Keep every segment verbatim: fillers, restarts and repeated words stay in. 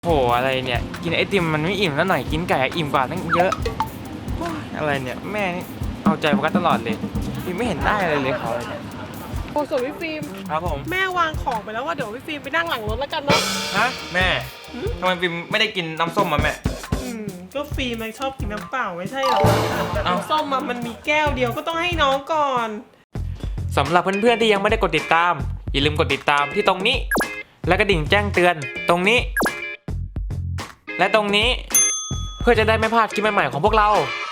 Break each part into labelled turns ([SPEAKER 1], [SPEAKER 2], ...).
[SPEAKER 1] โหอะไรเนี่ยกินไอติมมันไม่อิ่มแล้วหน่อยกินไก่อิ่มกว่าตั้งเยอะอะไรเนี่ยแม่นี่เอาใจโฟกัสตลอดเลยฟิล์มไม่เห็นได้อะไรเลยเขาเลยเนี่ย
[SPEAKER 2] โอ้ส่วนพี่ฟิล์ม
[SPEAKER 1] ครับผม
[SPEAKER 2] แม่วางของไปแล้วว่าเดี๋ยวพี่ฟิล์มไปนั่งหลังรถแล้วกันเนาะ
[SPEAKER 1] ฮะแม่ทำไมฟิล์มไม่ได้กินน้ำส้มมาแม่
[SPEAKER 2] อืมก็ฟิล์มมันชอบกินน้ำเปล่าไม่ใช่หรอน้ำส้มมันมีแก้วเดียวก็ต้องให้น้องก่อน
[SPEAKER 1] สำหรับเพื่อนๆที่ยังไม่ได้กดติดตามอย่าลืมกดติดตามที่ตรงนี้และกระดิ่งแจ้งเตือนตรงนี้และตรงนี้เพื่อจะได้ไม่พลาดคลิปใหม่ๆของพวกเรา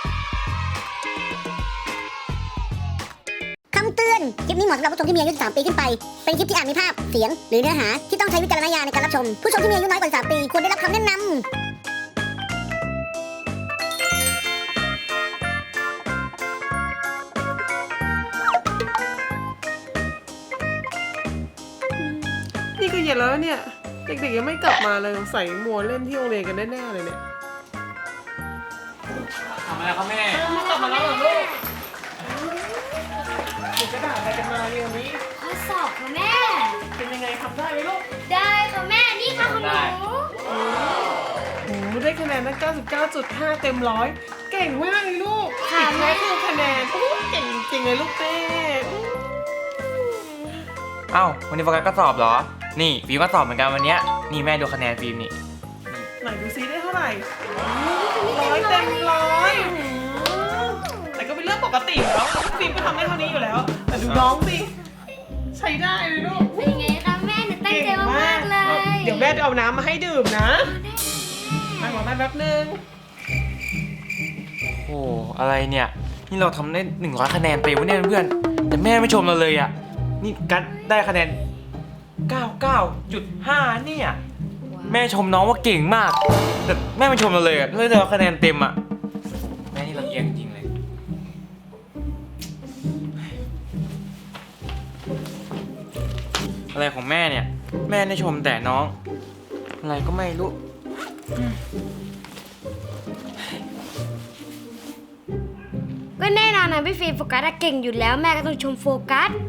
[SPEAKER 3] คำเตือนคลิปนี้เหมาะสำหรับผู้ชมที่มีอายุสิบสามปีขึ้นไปเป็นคลิปที่อาจมีภาพเสียงหรือเนื้อหาที่ต้องใช้วิจารณญาณในการรับชมผู้ชมที่มีอายุน้อยกว่าสิบสามปีควรได้รับคำแนะนำ
[SPEAKER 2] นี่ก็เย็นแล้วเนี่ยเด็กๆยังไม่กลับมาเลยใส่มัวเล่นที่โรงเรียนกันแน่ๆเลยเนี่ย
[SPEAKER 1] ทำอะไรครับแม่
[SPEAKER 2] กลับมาแล้วเหรอลูกถึงกระดาษอะไรกันมาเนี่ยวันนี้
[SPEAKER 4] ข้อสอบค่ะแม่
[SPEAKER 2] เป็นยังไงทำได้ไหมลูก
[SPEAKER 4] ได้ค่ะแม่นี่ค่ะของหนู
[SPEAKER 2] โอ้โหได้คะแนนตั้ง เก้าสิบเก้าจุดห้า เต็มร้อยเก่งมากเลยลูก
[SPEAKER 4] ค่ะแม่
[SPEAKER 2] คือคะแนนเก่งจริงเลยลูกเต้
[SPEAKER 1] เอ้าวันนี้โฟกัสก็สอบเหรอนี่ฟิล์มก็สอบเหมือนกันวันนี้นี่แม่ดูคะแนนฟิล์มนี่
[SPEAKER 2] ไหนดูซิได้เท่าไหร่ร้อยเต็มร้อยแต่ก็เป็นเรื่องปกติแล้วฟิล์มก็ทำได้เท่านี้อยู่แล้วแต่ดูน้องสิใช้ได้เลยลูก
[SPEAKER 4] เป็นไงคะแม่หนูตั้งใจมากๆเลย
[SPEAKER 2] เดี๋ยวแม่จะเอาน้ำมาให้ดื่มนะนั่งรอแม่แป๊บนึง
[SPEAKER 1] โอ้อะไรเนี่ยนี่เราทำได้หนึ่งร้อยคะแนนเต็มวะเนี่ยเพื่อนแต่แม่ไม่ชมเราเลยอ่ะนี่กัดได้คะแนนเก้าสิบเก้าจุดห้า เนี่ยแม่ชมน้องว่าเก่งมากแต่แม่ไม่ชมเราเลยอ่ะเลยแต่คะแนนเต็มอ่ะแม่นี่ลำเอียงจริงเลยอะไรของแม่เนี่ยแม่ได้ชมแต่น้องอะไรก็ไม่รู้
[SPEAKER 4] ก็แน่นอนนะพี่ฟิล์มโฟกัสเก่งอยู่แล้วแม่ก็ต้องชมโฟกัส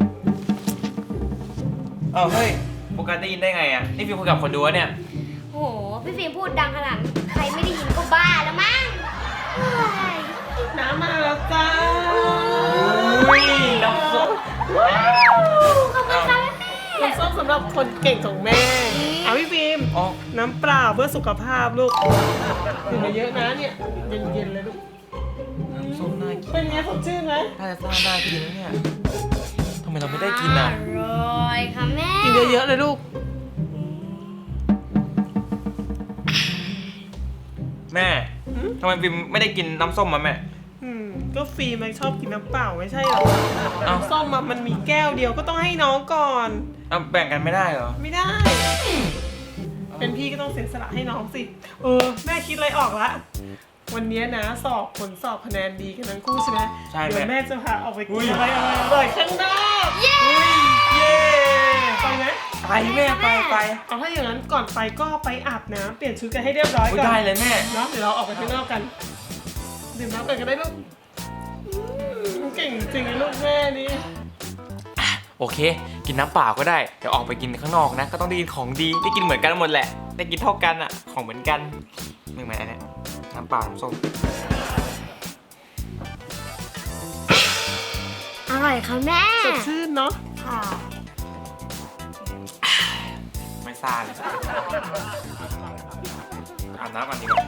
[SPEAKER 1] เอ้าเฮ้ยโฟกัสได้ยินได้ไงอ่ะนี่ฟิล์มคุยกับคนดูวะเนี่ย
[SPEAKER 4] โหพี่ฟิล์มพูดดังขนาดใครไม่ได้ยินก็บ้าแล้วมั้ง
[SPEAKER 2] น้ำมาแล้วจ้า
[SPEAKER 1] อุ้ยน้ำส้ม
[SPEAKER 4] ขอบคุณค่ะแม่
[SPEAKER 2] น้ำส้มสำหรับคนเก่งของแม่เอาพี่ฟิล์มน้ำเปล่าเพื่อสุขภาพลูกดื่มเยอะนะเนี่ยเย็นๆเลยลูก
[SPEAKER 1] น้ำส้มน่ากิน
[SPEAKER 2] เป็นไงสดชื่นไหม
[SPEAKER 1] น่าจะซ่าน่ากินนะเนี่ยทำไมเราไม่ได้กินอ่ะ
[SPEAKER 4] อร่อยค่ะแม่
[SPEAKER 2] กินเยอะๆเลยลูก
[SPEAKER 1] แม่ทำไมฟิล์มไม่ได้กินน้ำส้มมาแม่
[SPEAKER 2] อืมก็ฟิล์มมันชอบกินน้ำเปล่าไม่ใช่หรอน้ำส้มมันมีแก้วเดียวก็ต้องให้น้องก่อน
[SPEAKER 1] เอาแบ่งกันไม่ได้เหรอ
[SPEAKER 2] ไม่ได้เป็นพี่ก็ต้องเสียสละให้น้องสิเออแม่คิดอะไรออกละวันนี้นะสอบผลสอบคะแนนดีกันทั้งคู่ใช่ไหม
[SPEAKER 1] ใช่
[SPEAKER 2] เดี๋ยวแม่จะพาออกไปกินอะไรอะไรอร่อยข้างนอก
[SPEAKER 4] เย้
[SPEAKER 1] เย้
[SPEAKER 2] ไปไหม
[SPEAKER 1] ไปแม่ไปไป
[SPEAKER 2] เอาถ้าอย่างนั้นก่อนไปก็ไปอาบน้ำเปลี่ยนชุดกันให้เรียบร้อยก่อน
[SPEAKER 1] ได้เลยแม่
[SPEAKER 2] เนาะเดี๋ยวเราออกไปข้างนอกกันดื่มน้ำกันก็ได้ลูกเก่งจริงลูกแม่นี่
[SPEAKER 1] โอเคกินน้ำเปล่าก็ได้เดี๋ยวออกไปกินข้างนอกนะก็ต้องได้กินของดีได้กินเหมือนกันหมดแหละได้กินเท่ากันอ่ะของเหมือนกันไม่เหมือนอันนี้น้ำเปล่าน้ำส้ม
[SPEAKER 4] อร่อยค่ะแม่
[SPEAKER 2] สดชื่นเนาะ
[SPEAKER 4] ค่ะ
[SPEAKER 1] ไม่ซ่าเลยอาบน้ำก่อนดีกว่า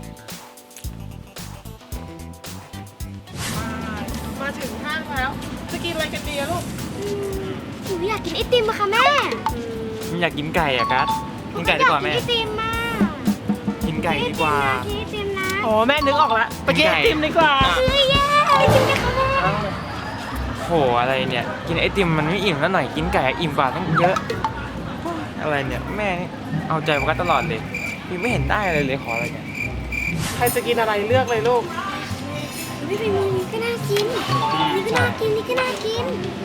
[SPEAKER 2] มาถึงห้างแล้วจะกินอะไรกันดีอะลูก
[SPEAKER 4] หนูอยากกินไอติมอะค่ะแม่
[SPEAKER 1] ไม่อยากกินไก่อะกัสกินไก่ดีกว่าแม่
[SPEAKER 4] ไอติมมา
[SPEAKER 1] กินไก่ดีกว่า
[SPEAKER 4] กินไอติมนะ
[SPEAKER 2] อ๋อแม่นึกออกแล้วไปกินไอติมดีกว่า
[SPEAKER 4] เฮ้ยแย่ไอติมกันค่ะแม่
[SPEAKER 1] โหอะไรเนี่ยกินไอติมมันไม่อิ่มแล้วหน่อยกินไก่อิ่มกว่าตั้งเยอะอะไรเนี่ยแม่เอาใจโฟกัสตลอดเลยยังไม่เห็นได้อะไรเลยขออะไรกัน
[SPEAKER 2] ใครจะกินอะไรเลือกเลยลูก
[SPEAKER 4] นี่เป็นนี่ก็น่ากินนี่ก็น่ากินนี่ก็น่ากิน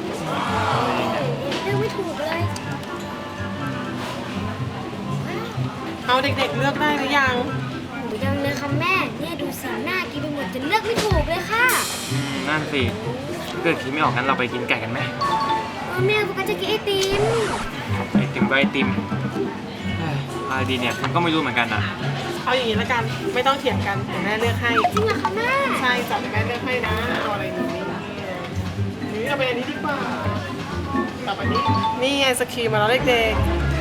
[SPEAKER 4] เลือกไม่ถูกเลย
[SPEAKER 2] เอาเด็กๆเลือกได้หรือยัง
[SPEAKER 4] หนูยังเลยค่ะแม่เนี่ยดูสีหน้ากินไปหมดจะเลือกไม่ถูกเลยค่ะ
[SPEAKER 1] นั่นสิเกิดคิดไม่ออกงั้นเราไปกินไก่กันไหม
[SPEAKER 4] แม่โฟกัสจะกินไอติม
[SPEAKER 1] ไอติมก็ไอติมอะไรดีเนี่ยมันก็ไม่รู้เหมือนกันนะ
[SPEAKER 2] เอาอย่างนี้ละกันไม่ต้องเถียงกันเดี๋ยวแม่เลือกให้
[SPEAKER 4] จริงเหรอคะแม่
[SPEAKER 2] ใช่จัดแม่เลือกให้นะเอาอะไรดีนี่เอาไปอันนี้ดีกว่ากับอันนี้นี่ไอศครีมมาแล้วเด็ก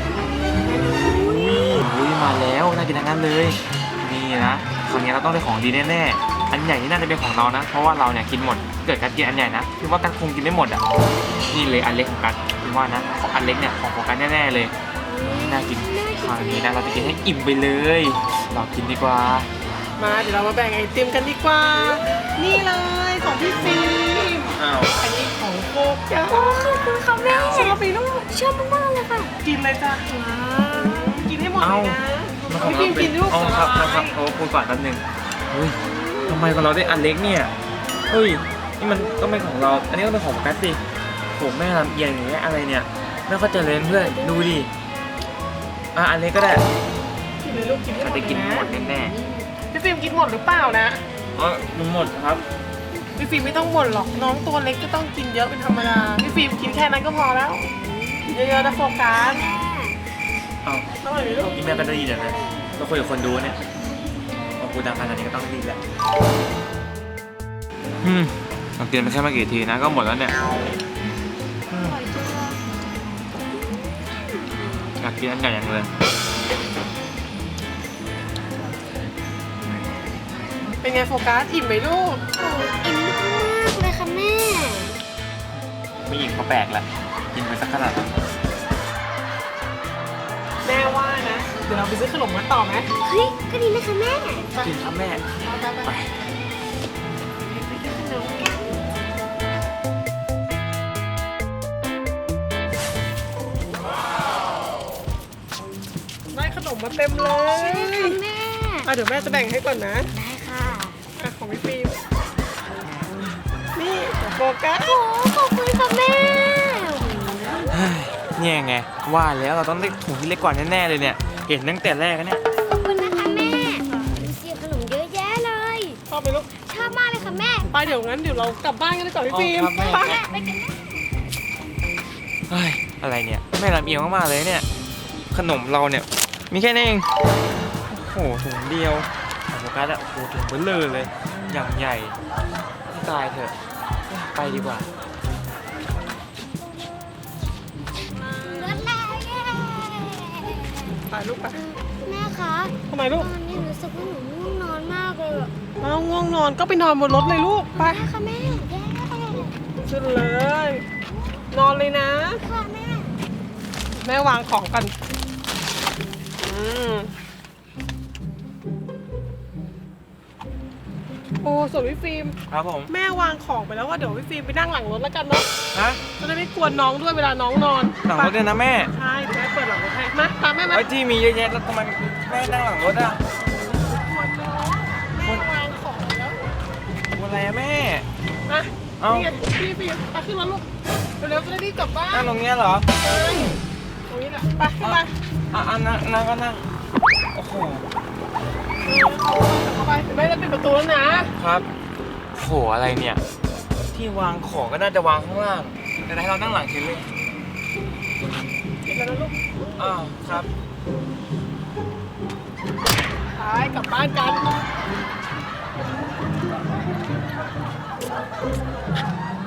[SPEAKER 1] อุ้ยมาแล้วน่ากินทั้งนั้นเลยนี่นะคราวนี้เราต้องได้ของดีแน่ๆอันใหญ่นี่น่าจะเป็นของเรานะเพราะว่าเราเนี่ยกินหมดเกิดการกินอันใหญ่นะคือว่าการคงกินไม่หมดอ่ะนี่เลยอันเล็กของกันคือว่านะของอันเล็กเนี่ยของโฟกัสแน่ๆเลยน่ากินคราวนี้นะเราจะกินให้อิ่มไปเลยเรากินดีกว่า
[SPEAKER 2] ๆมาเดี๋ยวเรามาแบ่งไอติมกันดีกว่า นี่เลยของพี่ฟิล์ม
[SPEAKER 1] อ้าว
[SPEAKER 2] อันนี้ของโฟกัส
[SPEAKER 4] โอ้ขอบคุณค่ะแม่
[SPEAKER 2] ชอบไปลูก
[SPEAKER 4] ชอบมากๆเลยค่ะ
[SPEAKER 2] กินเลยจ้ะ
[SPEAKER 4] ว้าว
[SPEAKER 2] กินให้หมดเลยนะพี่ฟิล์มกินลูก
[SPEAKER 1] อ๋อ
[SPEAKER 2] ส
[SPEAKER 1] ครับครับ
[SPEAKER 2] า
[SPEAKER 1] ครับ
[SPEAKER 2] ย
[SPEAKER 1] โอ้พูดก่อนแป๊บนึงเฮ้ยทำไมของเราได้อันเล็กเนี่ยเฮ้ยนี่มันต้องเป็นของเราอันนี้ต้องเป็นของโฟกัสสิผมแม่ลำเอียงอย่างเงี้ยอะไรเนี่ยไม่เข้าใจเลยเพื่อนดูดิอ่ะอันเล็กก็ได้
[SPEAKER 2] กินเลยลูกกินให้
[SPEAKER 1] เรา
[SPEAKER 2] หม
[SPEAKER 1] จะ
[SPEAKER 2] ด
[SPEAKER 1] กิน
[SPEAKER 2] เลย
[SPEAKER 1] หม
[SPEAKER 2] นะ
[SPEAKER 1] ดแน่
[SPEAKER 2] พี่ฟิล์มกินหมดหรือเปล่านะ
[SPEAKER 1] ๆอ๋อมันหมดครับ
[SPEAKER 2] พี่ฟิล์มไม่ต้องบ่นหรอกน้องตัวเล็กก็ต้องกินเยอะเป็นธรรมดาพี่ฟิล์มกินแค่นั้นก็พอแล้วเยอะๆนะโฟกัส
[SPEAKER 1] เอ้า
[SPEAKER 2] อร่อยไหมลูก
[SPEAKER 1] นี่แม่ก็ได้ยินแล้วนะก็คุยกับคนดูเนี่ยพอพูดดังขนาดนี้ก็ต้องรีบแหละอืมเรากินไปแค่ไม่กี่ทีนะก็หมดแล้วเนี่ยอืมอยากกินอันใหญ่ยังเลย
[SPEAKER 2] เป็นไงโฟกัสอิ่มไหมลูก
[SPEAKER 4] โอ้อิ่มมากเลยค่ะแม่
[SPEAKER 1] ไม่อิ่มก็แปลกแหละกินไปสักขนาดนั้น
[SPEAKER 2] แม่ว่านะเดี๋ยวเราไปซื้อขนมมาต่อไหม
[SPEAKER 4] เฮ้ยก็ดีนะคะแม่
[SPEAKER 1] กินครับแม่
[SPEAKER 2] ไปไป
[SPEAKER 1] ไป
[SPEAKER 2] ได้ขนมมาเต็มเลย
[SPEAKER 4] แม่
[SPEAKER 2] อ่ะเดี๋ยวแม่จะแบ่งให้ก่อนนะ
[SPEAKER 4] ได้ค่ะ
[SPEAKER 2] อ่ะของพี่ฟิล์มนี่ของโฟกัส
[SPEAKER 4] โอ้ขอบคุณค่ะแม่
[SPEAKER 1] เฮ้ยเนี่ยไงว่าแล้วเราต้องได้ถุงที่เล็กกว่าแน่ๆเลยเนี่ยเห็นตั้งแต่แรกแล้วเนี่ย
[SPEAKER 4] ขอบคุณนะคะแม่ดูสิขนมเยอะแยะเลย
[SPEAKER 2] ชอบไหมลูก
[SPEAKER 4] ชอบมากเลยค่ะแม่
[SPEAKER 2] ไปเดี๋ยวงั้นเดี๋ยวเรากลับบ้านกันดีกว่าพี่ฟิล์ม
[SPEAKER 1] อ๋อครับแม่
[SPEAKER 2] ไป
[SPEAKER 4] ไปกันนะ
[SPEAKER 1] เฮ้ยอะไรเนี่ยแม่ลำเอียงมากๆเลยเนี่ยขนมเราเนี่ยมีแค่นี้เองโอ้โหถุงเดียวของโฟกัสอะโอ้โหถุงเบลเลอร์เลยอย่างใหญ่ตายเถอะไปดีกว่า
[SPEAKER 4] รถแล้วเย้
[SPEAKER 2] ไปลูกไป
[SPEAKER 4] แม่คะ
[SPEAKER 2] ทำไมลู
[SPEAKER 4] ต
[SPEAKER 2] ก
[SPEAKER 4] อนนี้รู้สึกว่าหนูง่วงนอนมากเลยอะ
[SPEAKER 2] เอาง่วงนอนก็ไปนอนบนรถเลยลูกไป
[SPEAKER 4] แม่ค่ะแม่เย้
[SPEAKER 2] ขึ้นเลย นอนเลยนะ
[SPEAKER 4] ค่ะแม่
[SPEAKER 2] แม่วางของกันอืมโอ้ส่วนพี่ฟิล์ม
[SPEAKER 1] ครับผม
[SPEAKER 2] แม่วางของไปแล้วว่าเดี๋ยวพี่ฟิล์มไปนั่งหลังรถแล้วกันเนาะ
[SPEAKER 1] ฮะ
[SPEAKER 2] จะได้ไม่กวนน้องด้วยเวลาน้องนอน
[SPEAKER 1] หลังรถเนี่ยนะแม่
[SPEAKER 2] ใช่เดี๋ยวแม่เปิดหลังรถให้มาตามแม่มา
[SPEAKER 1] ไอ้ที่มีเยอะแยะแล้วทำไมแม่นั่งหลังรถอะ
[SPEAKER 2] กวนน้องแม่วางของแล้ว
[SPEAKER 1] อะไรอะแม่
[SPEAKER 2] นะ
[SPEAKER 1] เอ้า
[SPEAKER 2] นี่ไงพี่ฟิล์มไปขึ้นรถลูกเร็วๆจะได้รีบกลับบ้าน
[SPEAKER 1] นั่งตรงเนี้ยเหรอ
[SPEAKER 2] เออตรงนี้แหละไปขึ้นมา
[SPEAKER 1] อ่ะอ่ะนั่งนั่งก็นั่งโอ้โห
[SPEAKER 2] เออเข้าไปเข้าไปเดี๋ยวแม่จะปิดประตูแล้วนะครับ
[SPEAKER 1] โหอะไรเนี่ย ที่วางของก็น่าจะวางข้างล่าง แต่ให้เรานั่งหลังเฉยเลย
[SPEAKER 2] ปิดแล้วนะลูก
[SPEAKER 1] อ้าวครับ
[SPEAKER 2] ไปกลับบ้านกัน